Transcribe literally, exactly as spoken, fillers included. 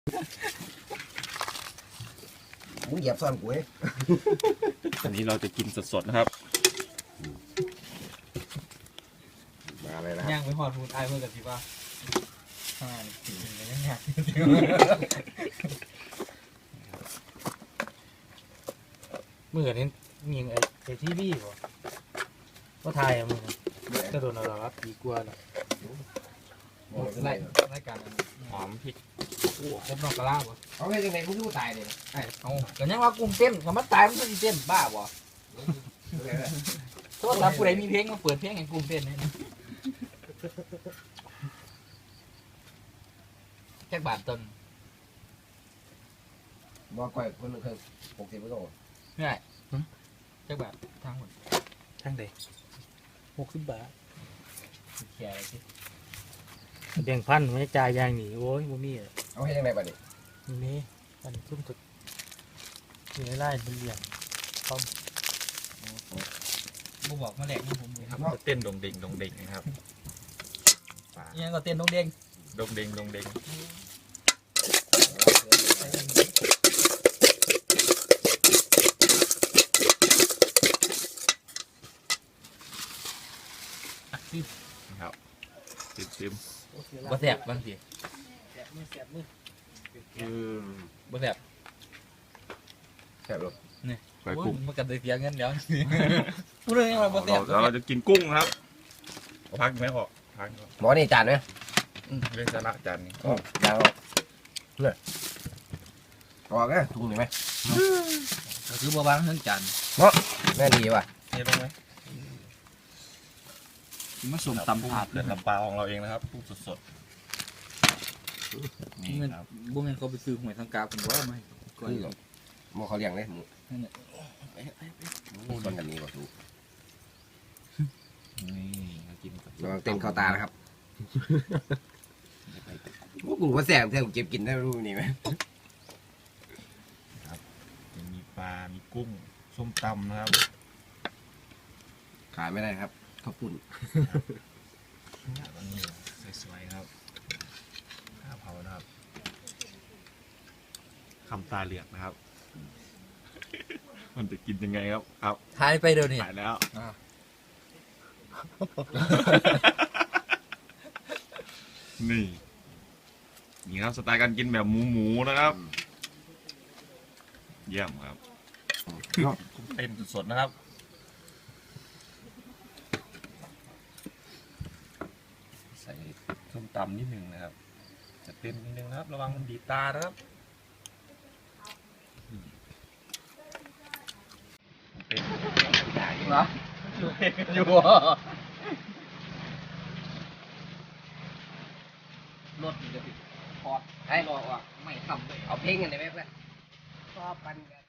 มึงเหยียบซ่อนกูเอ้ยอันนี้เราจะกินสดๆนะครับมาเลยนะคย่ารับงไปหอดพูดไอ้เพื่อนกับพี่ว่าอ่ากินกันยังไงเมื่อนี้มีไอ้ไอ้ที่บี้ป่ะว่าไทยอะมึงจะโดนเรารับดีกว่าเนาะไล่ไล่การหอมพริกครบนอกกระลาป่ะเอาไงยังไงมึงรู้ตายเลยไอ้เอาแต่ยังว่ากุ้งเต้นคำว่าตายมันจะเต้นบ้าป่ะโทษครับผู้ใดมีเพลงมาเปิดเพลงให้กุ้งเต้นนี่แค่บาทต้นบอกก่อยคนหนึ่งคือหกสิบกิโลไม่ได้แค่บาททางหมดช่างเด็กหกสิบบาทแค่อะไรสิแบ่งพันไม่จ่ายยางหนีโอ้ยบ่มีอ่ะเอาให้ยังไงบ้างดินี่อันทุ่มสุดอยู่ในไร่เป็นเหลี่ยมต้มบูบอกมาแหลกนะผมเลยครับเต้นดงเด้งดงเด้งนะครับยังก็เต้นน้องเด้งดงเด้งดงเด้งนะครับซิมซิมบ่แสบบางทีแสบมือแสบมืออืมบ่แสบแซ่บเลยไก่กุ้งมันกันได้เสียเงินเดี๋ยวพูดเรื่องอะไรบ่แสเราบเราจะกินกุ้งนะครับเอาพักไหมพอพักก่อนหมอนี่จานไหมอืมเรื่องสาระจานนี้อ๋อจานออกเนี่ยออกนะถุงหนึ่งไหมก็คือบ่บางเรื่องจันแม่ดีว่ะเทลงไหมมาสมตำถาดเลือดลำปลาของเราเองนะครับกุ้งสดๆนี่ครับบ่แม่นเขาไปซื้อหวยทางกาผมว่าไม่ก่อนคือหมอเขาเลี้ยงเลยหมูนั่นแหละหมูต้นกันนี้กว่าถูกนี่เรากินกับระวังเต้นเข้าตานะครับพวกกูว่าแซ่บแท้กูเก็บกินได้รู้นี่ไหมมีปลา มีกุ้งส้มตำนะครับขายไม่ได้ครับข้าวปุ้นอันนี้สวยๆครับข้าวเผานะครับคำตาเหลือกนะครับ มันจะกินยังไงครับครับทายไปเดี๋ยวนี้ถ่ายแล้วอ่านี่นี่ครับสไตล์การกินแบบหมูหมูๆนะครับ เยี่ยมครับเต็มสดๆนะครับใส่ส้มตำนิดหนึ่งนะครับจะเต็มนิดนึงนะครับ ระวังมันดีดตานะครับเต็มเหรออยู่รถมันจะติดคอร์ดให้รอว่าไม่ทำเลยเอาเพลงกันได้ไหมเพื่อนชอบกันกัน